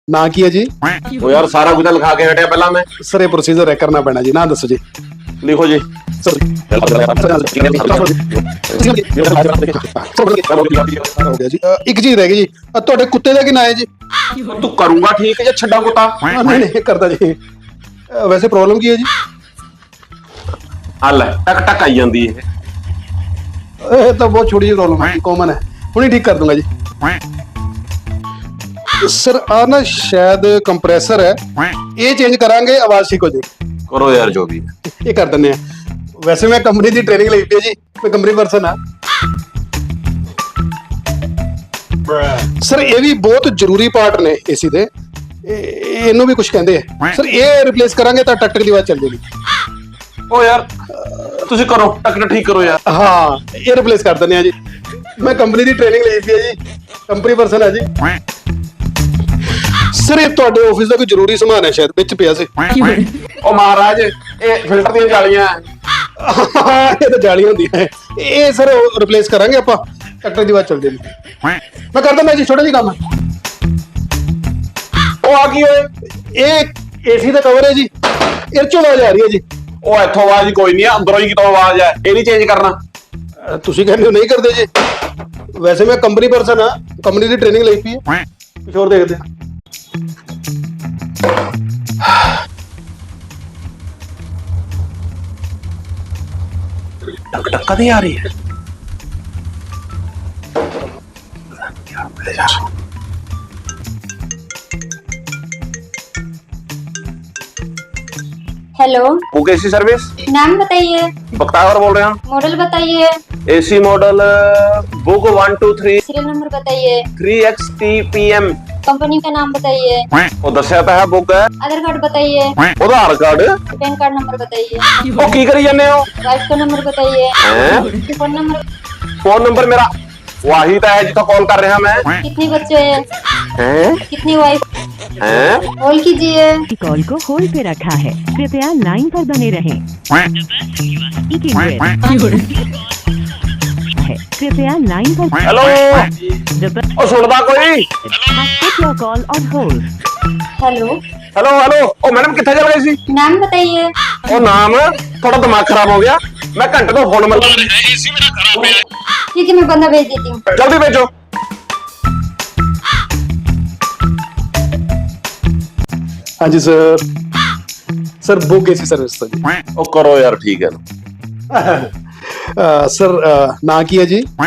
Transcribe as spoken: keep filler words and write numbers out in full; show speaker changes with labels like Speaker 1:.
Speaker 1: ना की है जी?
Speaker 2: वो यार सारा कुछ लिखा के हटिया पहला मैं।
Speaker 1: सर ये प्रोसीजर है, करना पैना जी। ना दसो जी।
Speaker 2: लिखो जी।
Speaker 1: सर हो गया जी। अ, एक चीज रह गई जी, अ, ਤੁਹਾਡੇ ਕੁੱਤੇ ਦਾ ਕੀ ਨਾਂ है जी?
Speaker 2: तू करूंगा ठीक है या छड्डा कुत्ता?
Speaker 1: हाँ, नहीं नहीं करता जी। अ, वैसे प्रॉब्लम की है जी?
Speaker 2: हल टक टक आई जाती है।
Speaker 1: ਇਹ ਤਾਂ ਬਹੁਤ ਛੋਟੀ ਜਿਹੀ ਪ੍ਰੋਬਲਮ ਹੈ, ਕਾਮਨ ਹੈ, ਹੁਣੀ ਠੀਕ ਕਰ ਦੂੰਗਾ ਜੀ। ਸਰ ਆ ਨਾ ਸ਼ਾयद ਕੰਪਰੈਸਰ ਹੈ, ਇਹ ਚੇਂਜ ਕਰਾਂਗੇ, ਆਵਾਜ਼ ਠੀਕ ਹੋ ਜਾਏਗੀ।
Speaker 2: करो यार जो भी है।
Speaker 1: ਇਹ ਕਰ ਦਿੰਦੇ ਆ। ਵੈਸੇ ਮੈਂ ਕੰਪਨੀ ਦੀ ਟ੍ਰੇਨਿੰਗ ਲਈ ਪਈ ਹੈ ਜੀ, ਮੈਂ ਕੰਪਨੀ ਪਰਸਨ ਆ। ਸਰ ਇਹ ਵੀ ਬਹੁਤ ਜ਼ਰੂਰੀ ਪਾਰਟ ਨੇ ਏਸੀ ਦੇ, ਇਹ- ਇਹਨੂੰ ਵੀ ਕੁਝ ਕਹਿੰਦੇ ਆ। ਸਰ ਇਹ ਰਿਪਲੇਸ ਕਰਾਂਗੇ ਤਾਂ ਟਕ ਟਕ ਦੀ ਆਵਾਜ਼ ਚੱਲ ਜਾਏਗੀ।
Speaker 2: ओ यार तुसी करो टक टक ठीक करो यार।
Speaker 1: ਹਾਂ ਇਹ ਰਿਪਲੇਸ ਕਰ ਦਿੰਦੇ ਆ ਜੀ। ਮੈਂ ਕੰਪਨੀ ਦੀ ਟ੍ਰੇਨਿੰਗ ਲਈ ਪਈ ਹੈ ਜੀ, ਕੰਪਨੀ ਪਰਸਨ ਆ ਜੀ। ਸਰ ਇਹ ਤੁਹਾਡੇ ਆਫਿਸ ਦਾ ਕੋਈ ਜ਼ਰੂਰੀ ਸਮਾਨ ਹੈ, ਸ਼ਾਇਦ ਵਿੱਚ ਪਿਆ ਸੀ।
Speaker 2: ओ महाराज ये फिल्टर दी जालियां
Speaker 1: ਇਹ ਤਾਂ ਜਾਲੀ ਹੁੰਦੀ ਹੈ। ਇਹ ਸਰ ਰਿਪਲੇਸ ਕਰਾਂਗੇ ਆਪਾਂ, ਟਕ ਟਕ ਦੀ ਆਵਾਜ਼ ਚੱਲ ਜਾਏਗੀ। ਮੈਂ ਕਰ ਦਿੰਦਾ ਜੀ, ਛੋਟਾ ਜਿਹਾ ਕੰਮ ਹੈ।
Speaker 2: ओ आ गई ओए।
Speaker 1: ਇਹ ਏਸੀ ਦਾ ਕਵਰ ਹੈ ਜੀ, ਇਹ ਚੋਂ ਆਵਾਜ਼ ਆ ਰਹੀ ਹੈ ਜੀ।
Speaker 2: ओ इथों आवाज कोई नहीं है, अंदरों ही कितों आवाज है, ये नहीं चेंज करना।
Speaker 1: ਅ, ਤੁਸੀਂ ਕਹਿੰਦੇ ਹੋ ਨਹੀਂ ਕਰਦੇ ਜੀ। ਵੈਸੇ ਮੈਂ ਕੰਪਨੀ ਪਰਸਨ ਆ, ਕੰਪਨੀ ਦੀ ਟ੍ਰੇਨਿੰਗ ਲਈ ਪਈ ਹੈ। ਕੁਝ ਹੋਰ ਦੇਖਦੇ ਆ।
Speaker 2: टक टक कदी आ रही है।
Speaker 3: हेलो,
Speaker 2: बुक एसी सर्विस
Speaker 3: नाम बताइए,
Speaker 2: बख्तावर बोल रहे हैं।
Speaker 3: मॉडल बताइए,
Speaker 2: AC model book one two three
Speaker 3: serial number बताइए,
Speaker 2: three X T P M.
Speaker 3: Company का नाम बताइए,
Speaker 2: वो दसिया तो है बुक है।
Speaker 3: आधार कार्ड बताइए,
Speaker 2: Aadhaar card
Speaker 3: PAN card number बताइए,
Speaker 2: वो की करी जाने हो?
Speaker 3: वाइफ का नंबर बताइए,
Speaker 2: हैं?
Speaker 3: फोन नंबर,
Speaker 2: फोन नंबर मेरा वही तो है जितना कॉल कर रहे हैं मैं।
Speaker 3: कितने बच्चे हैं,
Speaker 2: हैं?
Speaker 3: कितनी वाइफ,
Speaker 2: हैं?
Speaker 3: कॉल कीजिए।
Speaker 4: कॉल को होल्ड पे रखा है, कृपया लाइन पर बने रहें। Speaking with- है, कृपया लाइन पर।
Speaker 2: हेलो
Speaker 4: The person
Speaker 2: ओ सुनदा कोई?
Speaker 4: has put your call on hold.
Speaker 3: Hello,
Speaker 2: hello hello ओ मैडम कितने चल गई सी?
Speaker 3: नाम बताइए,
Speaker 2: ओ नाम थोड़ा दिमाग खराब हो गया, मैं घंटे तो फोन मिल एसी मेरा खराब है।
Speaker 3: ठीक है मैं बंदा भेज देती हूँ।
Speaker 2: जल्दी भेजो।
Speaker 1: हाँ जी sir, sir book AC service तो जी।
Speaker 2: ओ करो यार ठीक है।
Speaker 1: अ, सर अ, ना की है जी?